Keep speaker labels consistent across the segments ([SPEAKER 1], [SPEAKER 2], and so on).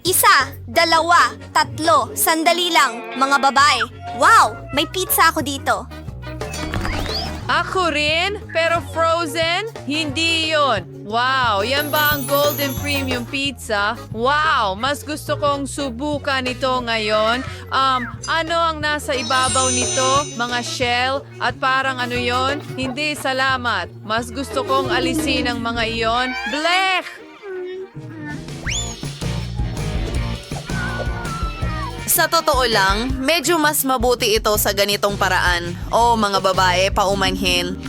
[SPEAKER 1] Isa, dalawa, tatlo, sandali lang, mga babae. Wow, may pizza ako dito.
[SPEAKER 2] Ako rin, pero frozen? Hindi yon. Wow, yan ba ang Golden Premium Pizza? Wow, mas gusto kong subukan ito ngayon. Ano ang nasa ibabaw nito? Mga shell? At parang ano yon? Hindi, salamat. Mas gusto kong alisin ang mga iyon. Blech!
[SPEAKER 3] Sa totoo lang, medyo mas mabuti ito sa ganitong paraan. O mga babae, paumanhin.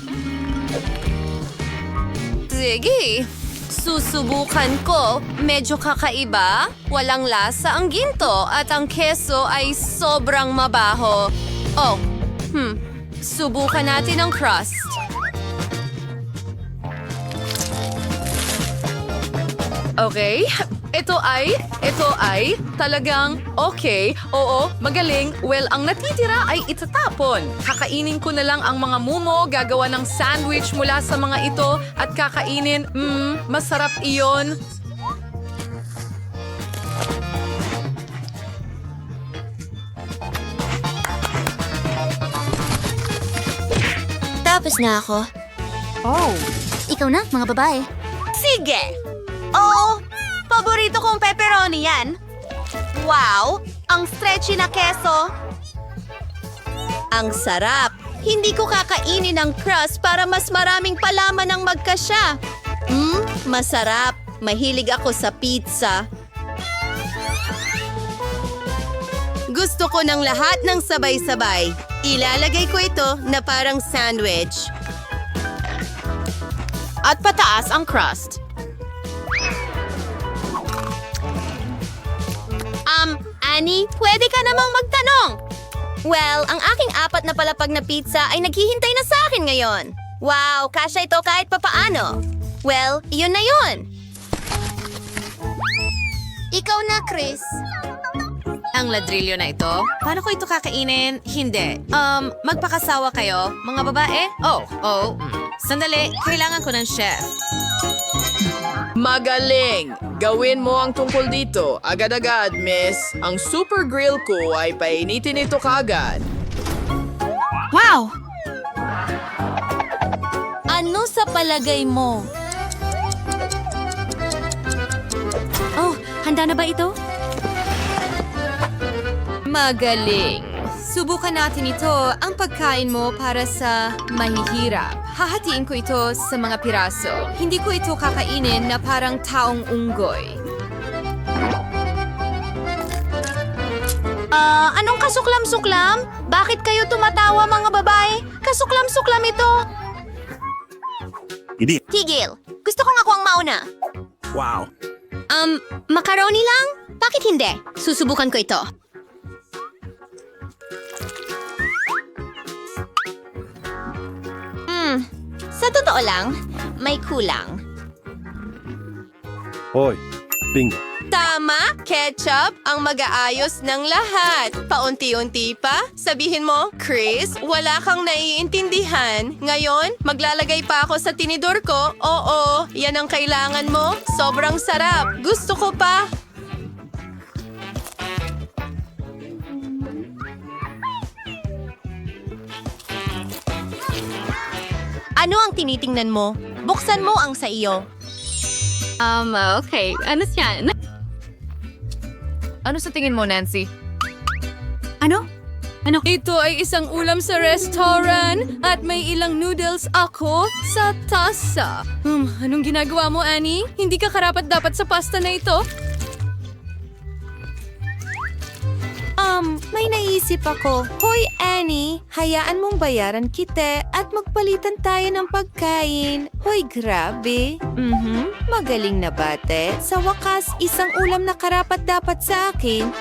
[SPEAKER 1] Sige, susubukan ko. Medyo kakaiba, walang lasa ang ginto at ang keso ay sobrang mabaho. Oh, subukan natin ang crust.
[SPEAKER 2] Okay, ito ay talagang okay. Oo, magaling. Well, ang natitira ay itatapon. Kakainin ko na lang ang mga mumo, gagawa ng sandwich mula sa mga ito at kakainin. Masarap iyon.
[SPEAKER 1] Tapos na ako.
[SPEAKER 4] Oh, ikaw na, mga babae.
[SPEAKER 1] Sige! Oh, paborito kong pepperoni yan. Wow, ang stretchy na keso. Ang sarap. Hindi ko kakainin ang crust para mas maraming palaman ang magkasya. Masarap. Mahilig ako sa pizza. Gusto ko ng lahat ng sabay-sabay. Ilalagay ko ito na parang sandwich. At pataas ang crust. Annie, pwede ka namang magtanong. Well, ang aking 4 na palapag na pizza ay naghihintay na sa akin ngayon. Wow, kasya ito kahit papaano. Well, iyon na yun. Ikaw na, Chris.
[SPEAKER 3] Ang ladrillo na ito? Paano ko ito kakainin? Hindi. Magpakasawa kayo, mga babae? Sandali, kailangan ko ng chef.
[SPEAKER 5] Magaling! Gawin mo ang tungkol dito. Agad-agad, miss. Ang super grill ko ay painitin ito kaagad.
[SPEAKER 4] Wow!
[SPEAKER 1] Ano sa palagay mo?
[SPEAKER 4] Oh, handa na ba ito?
[SPEAKER 1] Magaling. Subukan natin ito, ang pagkain mo para sa mahihirap. Hahatiin ko ito sa mga piraso. Hindi ko ito kakainin na parang taong unggoy. Anong kasuklam-suklam? Bakit kayo tumatawa, mga babae? Kasuklam-suklam ito.
[SPEAKER 6] Hindi.
[SPEAKER 1] Tigil. Gusto kong ako ang mauna.
[SPEAKER 6] Wow.
[SPEAKER 1] Macaroni lang? Bakit hindi? Susubukan ko ito. Sa totoo lang, may kulang.
[SPEAKER 6] Hoy. Bingo.
[SPEAKER 1] Tama, ketchup ang mag-aayos ng lahat. Paunti-unti pa, sabihin mo, Chris, wala kang naiintindihan. Ngayon, maglalagay pa ako sa tinidor ko. Oo, yan ang kailangan mo. Sobrang sarap. Gusto ko pa. Ano ang tinitingnan mo? Buksan mo ang sa iyo.
[SPEAKER 4] Okay. Ano siya?
[SPEAKER 2] Ano sa tingin mo, Nancy?
[SPEAKER 4] Ano?
[SPEAKER 2] Ito ay isang ulam sa restaurant at may ilang noodles ako sa tasa. Anong ginagawa mo, Annie? Hindi ka karapat-dapat sa pasta na ito?
[SPEAKER 1] May naisip ako. Hoy, Annie, hayaan mong bayaran kita at magpalitan tayo ng pagkain. Hoy, grabe. Magaling na bate. Sa wakas, isang ulam na karapat-dapat sa akin.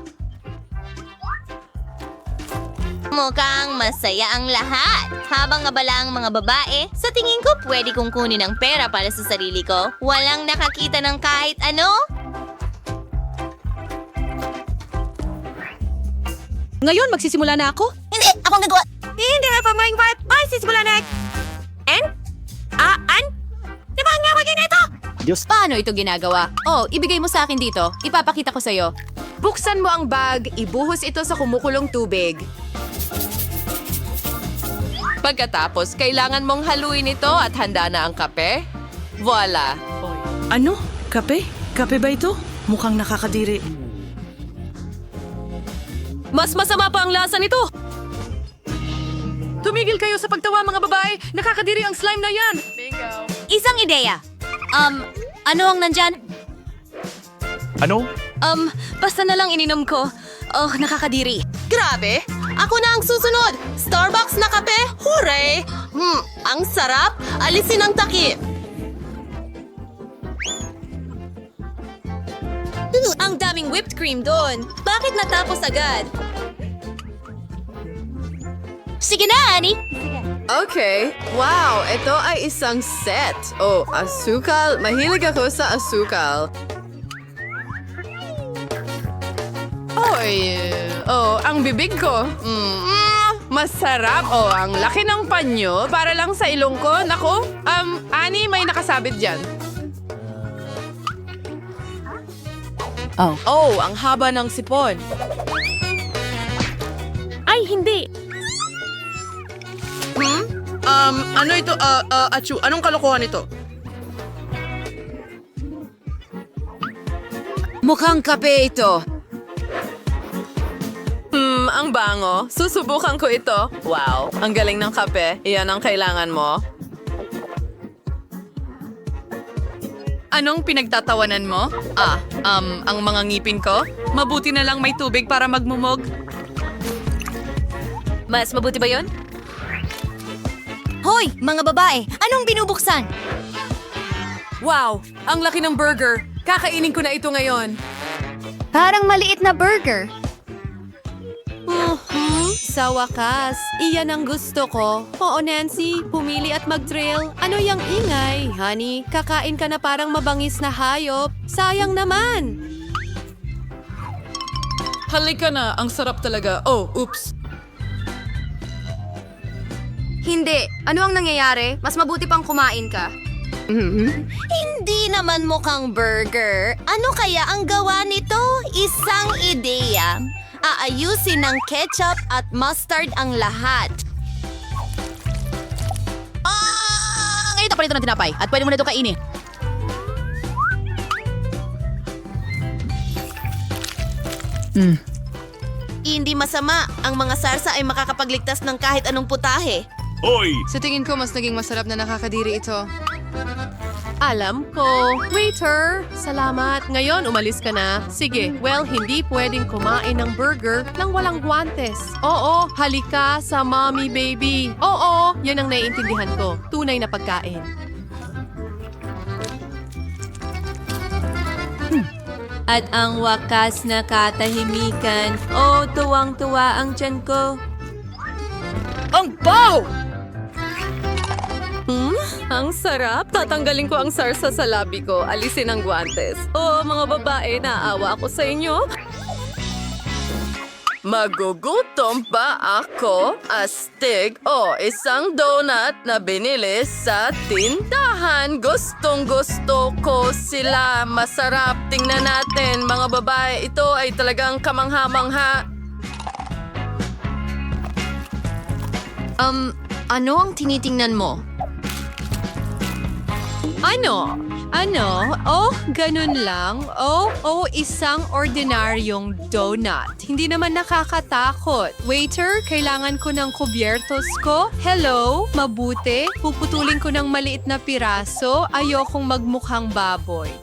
[SPEAKER 1] Mukhang masaya ang lahat. Habang abala ang mga babae, sa tingin ko pwede kong kunin ang pera para sa sarili ko. Walang nakakita ng kahit ano.
[SPEAKER 4] Ngayon, magsisimula na ako?
[SPEAKER 1] Hindi, akong nagawa. Hindi nga pa maing part. Ay, sisimula na. Di ba ang nga maging ito?
[SPEAKER 6] Diyos.
[SPEAKER 4] Paano ito ginagawa? Oh, ibigay mo sa akin dito. Ipapakita ko sa'yo.
[SPEAKER 2] Buksan mo ang bag, ibuhos ito sa kumukulong tubig. Pagkatapos, kailangan mong haluin ito at handa na ang kape. Voila!
[SPEAKER 7] Ano? Kape? Kape ba ito? Mukhang nakakadiri.
[SPEAKER 4] Mas masama pa ang lasa nito!
[SPEAKER 2] Tumigil kayo sa pagtawa mga babae! Nakakadiri ang slime na yan!
[SPEAKER 4] Isang ideya. Ano ang nandyan?
[SPEAKER 6] Ano?
[SPEAKER 4] Basta na lang ininom ko. Oh, nakakadiri.
[SPEAKER 1] Grabe! Ako na ang susunod! Starbucks na kape? Hooray! Ang sarap! Alisin ang takip!
[SPEAKER 4] Ang daming whipped cream doon. Bakit natapos agad? Sige na, Annie.
[SPEAKER 2] Okay. Wow, ito ay isang set. Oh, asukal. Mahilig ako sa asukal. Ang bibig ko. Masarap. Oh, ang laki ng panyo. Para lang sa ilong ko. Nako, Annie, may nakasabit dyan. Oh, ang haba ng sipon.
[SPEAKER 4] Ay, hindi.
[SPEAKER 5] Ano ito? Achu, anong kalokohan ito?
[SPEAKER 2] Mukhang kape ito. Ang bango. Susubukan ko ito. Wow, ang galing ng kape. Iyan ang kailangan mo. Anong pinagtatawanan mo? Ang mga ngipin ko? Mabuti na lang may tubig para magmumog.
[SPEAKER 4] Mas mabuti ba yon? Hoy, mga babae! Anong binubuksan?
[SPEAKER 2] Wow, ang laki ng burger. Kakainin ko na ito ngayon.
[SPEAKER 4] Parang maliit na burger.
[SPEAKER 2] Sa wakas, iyan ang gusto ko. Oo, Nancy, pumili at mag-drill. Ano yung ingay? Honey, kakain ka na parang mabangis na hayop. Sayang naman. Halika na, ang sarap talaga. Oh, oops.
[SPEAKER 4] Hindi. Ano ang nangyayari? Mas mabuti pang kumain ka.
[SPEAKER 1] Hindi naman mukhang burger. Ano kaya ang gawa nito? Isang ideya. Aayusin ng ketchup at mustard ang lahat.
[SPEAKER 4] Ngayon pa nito ng tinapay at pwede mo na ito kainin.
[SPEAKER 1] Hindi masama. Ang mga sarsa ay makakapagligtas ng kahit anong putahe.
[SPEAKER 6] Hoy!
[SPEAKER 2] Sa tingin ko, mas naging masarap na nakakadiri ito. Alam ko. Waiter, salamat. Ngayon, umalis ka na. Sige, well, hindi pwedeng kumain ng burger nang walang guantes. Oo, halika sa mommy baby. Oo, yan ang naiintindihan ko. Tunay na pagkain.
[SPEAKER 8] At ang wakas na katahimikan. Oh, tuwang-tuwa ang tiyan ko.
[SPEAKER 5] Ang baw!
[SPEAKER 2] Ang sarap. Tatanggalin ko ang sarsa sa labi ko. Alisin ang guantes. Oh, mga babae, naawa ako sa inyo. Magugutom ba ako? Astig o isang donut na binili sa tindahan. Gustong gusto ko sila. Masarap. Tingnan natin, mga babae. Ito ay talagang kamangha-mangha.
[SPEAKER 1] Ano ang tinitingnan mo?
[SPEAKER 2] Ano? Oh, ganun lang. Oh, isang ordinaryong donut. Hindi naman nakakatakot. Waiter, kailangan ko ng kubyertos ko. Hello? Mabuti? Puputulin ko ng maliit na piraso. Ayokong magmukhang baboy.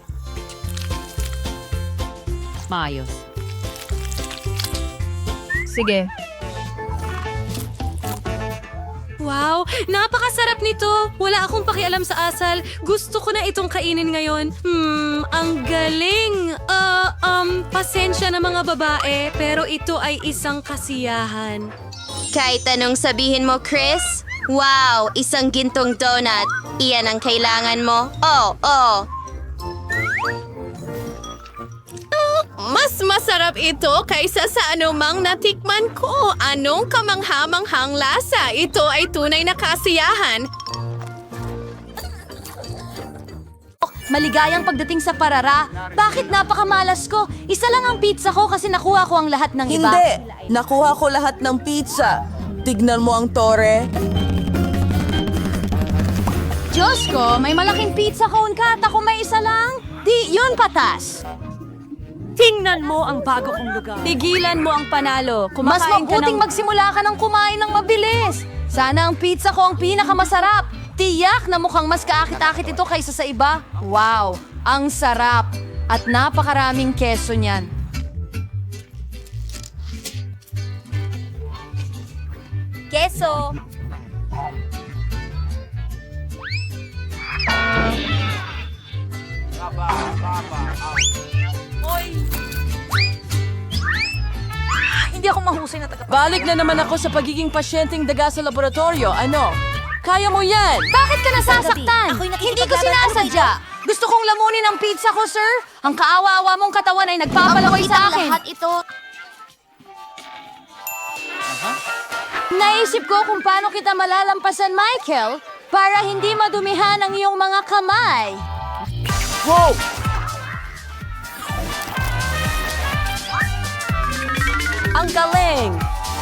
[SPEAKER 4] Maayos.
[SPEAKER 2] Sige.
[SPEAKER 4] Wow, napakasarap nito. Wala akong pakialam sa asal. Gusto ko na itong kainin ngayon. Ang galing. Pasensya na mga babae, pero ito ay isang kasiyahan.
[SPEAKER 1] Kahit anong sabihin mo, Chris? Wow, isang gintong donut. Iyan ang kailangan mo? Oh.
[SPEAKER 2] Mas masarap ito kaysa sa anumang natikman ko. Anong kamangha-manghang lasa? Ito ay tunay na kasiyahan.
[SPEAKER 1] Maligayang pagdating sa parara. Bakit napakamalas ko? Isa lang ang pizza ko kasi nakuha ko ang lahat ng iba.
[SPEAKER 7] Hindi! Nakuha ko lahat ng pizza. Tignan mo ang tore.
[SPEAKER 1] Diyos ko, may malaking pizza cone ka at ako may isa lang. Di, yun patas.
[SPEAKER 4] Tingnan mo ang bago kong lugar.
[SPEAKER 1] Tigilan mo ang panalo. Mas mabuting magsimula ka ng kumain ng mabilis. Sana ang pizza ko ang pinakamasarap. Tiyak na mukhang mas kaakit-akit ito kaysa sa iba. Wow, ang sarap. At napakaraming keso niyan. Keso.
[SPEAKER 4] Hindi ako mahusay na taga...
[SPEAKER 7] Balik na naman ako sa pagiging pasyenteng daga sa laboratorio. Ano? Kaya mo yan!
[SPEAKER 1] Bakit ka nasasaktan? Hindi ko sinasadya. Gusto kong lamunin ang pizza ko, sir. Ang kaawa-awa mong katawan ay nagpapalaway sa akin. Lahat ito. Naisip ko kung paano kita malalampasan, Michael, para hindi madumihan ang iyong mga kamay.
[SPEAKER 7] Wow! Ang galing!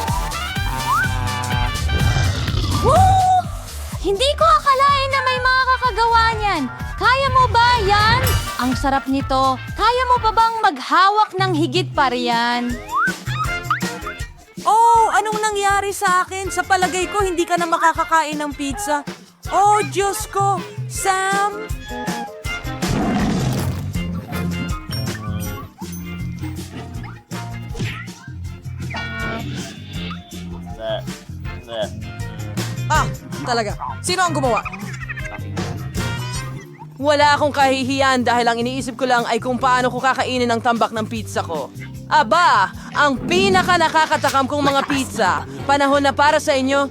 [SPEAKER 1] Woo! Hindi ko akalain na may mga kakagawa niyan. Kaya mo ba yan? Ang sarap nito. Kaya mo pa bang maghawak ng higit pa riyan?
[SPEAKER 7] Oh, anong nangyari sa akin? Sa palagay ko, hindi ka na makakakain ng pizza. Oh, Diyos ko! Sam! Talaga. Sino ang gumawa? Wala akong kahihiyan dahil ang iniisip ko lang ay kung paano ko kakainin ang tambak ng pizza ko. Aba, ang pinaka nakakatakam kong mga pizza. Panahon na para sa inyo.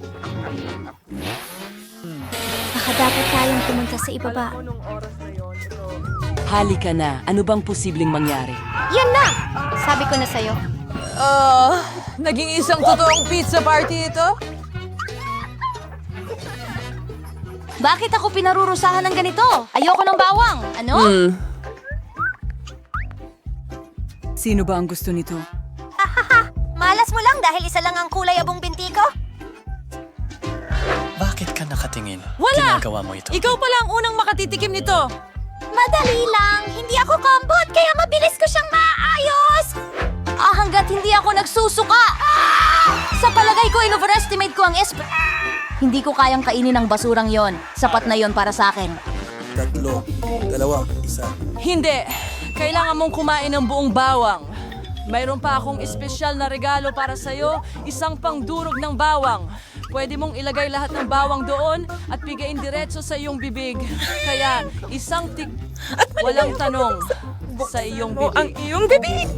[SPEAKER 9] Baka dapat tayong pumunta sa ibaba.
[SPEAKER 7] Halika na. Ano bang posibleng mangyari?
[SPEAKER 9] Yan na! Sabi ko na sa'yo.
[SPEAKER 7] Naging isang totoong pizza party ito?
[SPEAKER 1] Bakit ako pinarurusahan ng ganito? Ayoko ng bawang. Ano?
[SPEAKER 7] Sino ba ang gusto nito?
[SPEAKER 9] Malas mo lang dahil isa lang ang kulay abong binti ko?
[SPEAKER 10] Bakit ka nakatingin?
[SPEAKER 7] Wala!
[SPEAKER 10] Ginagawa mo ito.
[SPEAKER 7] Ikaw pala ang unang makatitikim nito.
[SPEAKER 9] Madali lang. Hindi ako kambot, kaya mabilis ko siyang maayos.
[SPEAKER 1] Hanggat hindi ako nagsusuka. Sa palagay ko, in-overestimate ko ang Hindi ko kayang kainin ang basurang yon. Sapat na yon para sa akin.
[SPEAKER 7] Hindi. Kailangan mong kumain ng buong bawang. Mayroon pa akong espesyal na regalo para sa'yo, isang pangdurog ng bawang. Pwede mong ilagay lahat ng bawang doon at bigayin diretso sa iyong bibig. Kaya, isang walang tanong sa iyong bibig. Ang iyong bibig!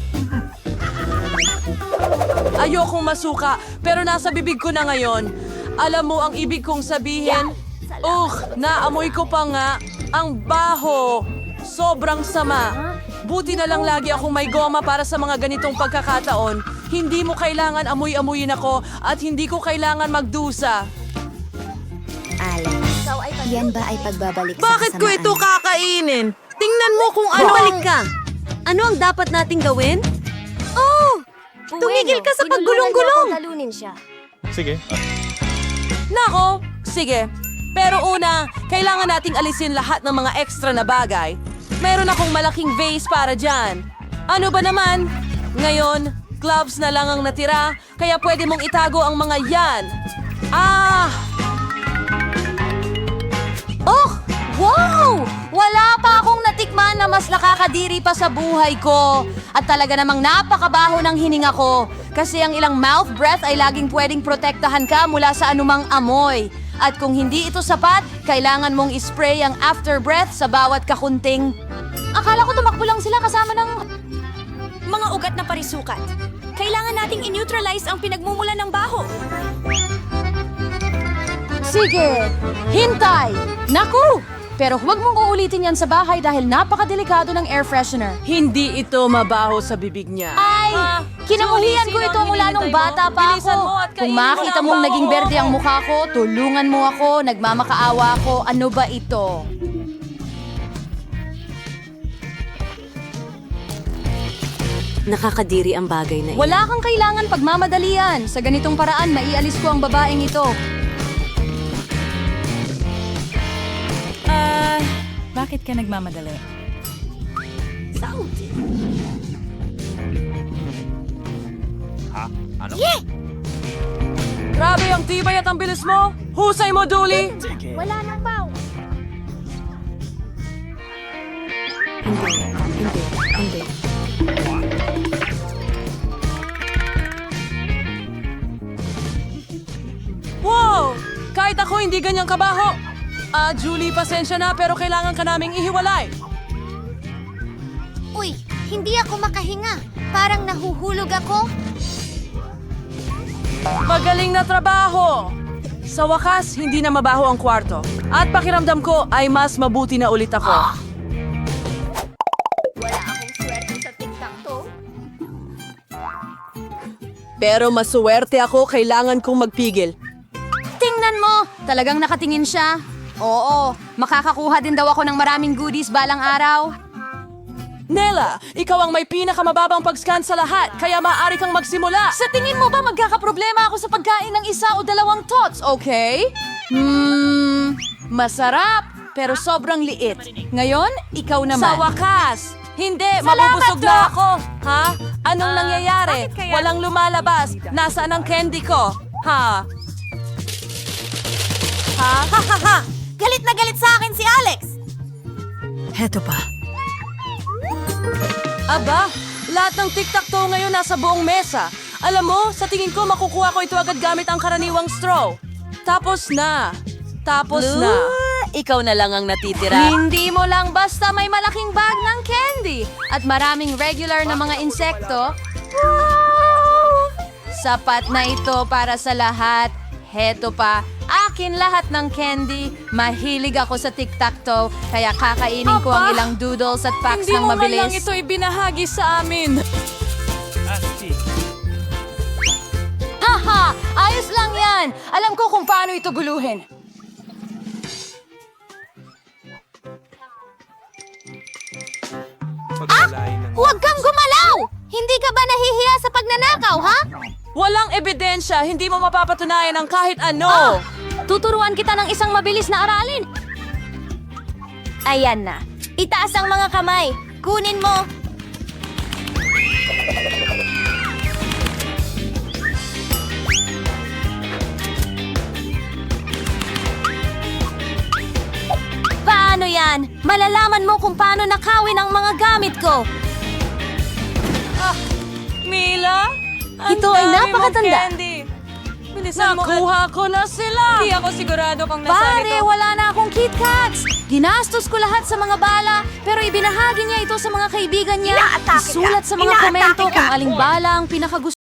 [SPEAKER 7] Ayokong masuka, pero nasa bibig ko na ngayon. Alam mo ang ibig kong sabihin? Naamoy ko pa nga. Ang baho. Sobrang sama. Buti na lang lagi akong may goma para sa mga ganitong pagkakataon. Hindi mo kailangan amoy-amoyin ako at hindi ko kailangan magdusa.
[SPEAKER 9] Alan, yan ba ay pagbabalik sa
[SPEAKER 7] Bakit ko ito kakainin? Tingnan mo kung ano.
[SPEAKER 4] Balik ka! Ano ang dapat nating gawin?
[SPEAKER 9] Tumigil ka sa paggulong-gulong! Talunin siya.
[SPEAKER 6] Sige.
[SPEAKER 7] Nako, sige. Pero una, kailangan nating alisin lahat ng mga extra na bagay. Meron akong malaking vase para dyan. Ano ba naman? Ngayon, gloves na lang ang natira, kaya pwede mong itago ang mga yan.
[SPEAKER 1] Wow! Wala pa akong natikman na mas nakakadiri pa sa buhay ko. At talaga namang napakabaho ng hininga ko. Kasi ang ilang mouth breath ay laging pwedeng protektahan ka mula sa anumang amoy. At kung hindi ito sapat, kailangan mong ispray ang after breath sa bawat kakunting. Akala ko tumakbo lang sila kasama ng...
[SPEAKER 4] Mga ugat na parisukat. Kailangan nating in-neutralize ang pinagmumula ng baho.
[SPEAKER 1] Sige, hintay! Naku! Pero huwag mong uulitin yan sa bahay dahil napakadelikado ng air freshener.
[SPEAKER 7] Hindi ito mabaho sa bibig niya.
[SPEAKER 1] Ay! Kinamuhian ko ito mula nung bata pa
[SPEAKER 7] Bilisan mo
[SPEAKER 1] ako.
[SPEAKER 7] at
[SPEAKER 1] Kung
[SPEAKER 7] kainin mo
[SPEAKER 1] makita
[SPEAKER 7] na ang
[SPEAKER 1] mong naging
[SPEAKER 7] baho.
[SPEAKER 1] berde ang mukha ko, tulungan mo ako, nagmamakaawa ako. Ano ba ito?
[SPEAKER 8] Nakakadiri ang bagay na
[SPEAKER 4] Wala kang kailangan pagmamadalian. Sa ganitong paraan, maialis ko ang babaeng ito.
[SPEAKER 10] Bakit ka nagmamadali?
[SPEAKER 7] Grabe ang tibay at ang bilis mo! Husay mo, Dooley!
[SPEAKER 9] Wala nang baw.
[SPEAKER 8] Hindi.
[SPEAKER 7] Wow! Kahit ako hindi ganyang kabaho! Julie, pasensya na pero kailangan ka naming ihiwalay.
[SPEAKER 9] Uy, hindi ako makahinga. Parang nahuhulog ako.
[SPEAKER 7] Magaling na trabaho! Sa wakas, hindi na mabaho ang kwarto. At pakiramdam ko ay mas mabuti na ulit ako.
[SPEAKER 9] Wala akong swerte sa TikTok.
[SPEAKER 7] Pero masuwerte ako, kailangan kong magpigil.
[SPEAKER 4] Tingnan mo! Talagang nakatingin siya. Oo, makakakuha din daw ako ng maraming goodies balang araw.
[SPEAKER 7] Nela, ikaw ang may pinakamababang pag-scan sa lahat, kaya maaari kang magsimula.
[SPEAKER 4] Sa tingin mo ba magkakaproblema ako sa pagkain ng isa o dalawang tots, okay? Masarap, pero sobrang liit. Ngayon, ikaw naman.
[SPEAKER 7] Sa wakas! Hindi,
[SPEAKER 4] Salamat,
[SPEAKER 7] mabubusog na
[SPEAKER 4] Doc!
[SPEAKER 7] ako. Ha? Anong nangyayari?
[SPEAKER 4] bakit kaya?
[SPEAKER 7] Walang lumalabas. Nasaan ang candy ko? Ha? Ha?
[SPEAKER 9] Galit na galit sa akin si Alex.
[SPEAKER 10] Heto pa.
[SPEAKER 7] Aba, lahat ng tic-tac-toe ngayon nasa buong mesa. Alam mo, sa tingin ko makukuha ko ito agad gamit ang karaniwang straw. Tapos na.
[SPEAKER 8] Ikaw na lang ang natitira.
[SPEAKER 4] Hindi mo lang basta may malaking bag ng candy at maraming regular na mga insekto. Sapat na ito para sa lahat. Heto pa, akin lahat ng candy. Mahilig ako sa tic-tac-toe, kaya kakainin ko ang ilang doodles at packs
[SPEAKER 7] Hindi
[SPEAKER 4] ng
[SPEAKER 7] mo man lang
[SPEAKER 4] mabilis.
[SPEAKER 7] ito ibinahagi sa amin.
[SPEAKER 4] Haha! Ayos lang yan! Alam ko kung paano ito guluhin.
[SPEAKER 9] Huwag kang gumalaw! Hindi ka ba nahihiya sa pagnanakaw, ha?
[SPEAKER 7] Walang ebidensya, hindi mo mapapatunayan ang kahit ano.
[SPEAKER 4] Tuturuan kita ng isang mabilis na aralin.
[SPEAKER 9] Ayan na. Itaas ang mga kamay. Kunin mo. Paano yan? Malalaman mo kung paano nakawin ang mga gamit ko.
[SPEAKER 7] Mila? Ang
[SPEAKER 4] Ito ay
[SPEAKER 7] dami mong
[SPEAKER 4] napakatanda.
[SPEAKER 7] candy. Bilisan mo. Nakuha ko na sila. Hindi ako sigurado kung nasaan
[SPEAKER 4] Pare,
[SPEAKER 7] ito.
[SPEAKER 4] wala na akong Kit Kats. Ginastos ko lahat sa mga bala, pero ibinahagi niya ito sa mga kaibigan niya. Isulat sa mga komento kung aling bala ang pinakagusto.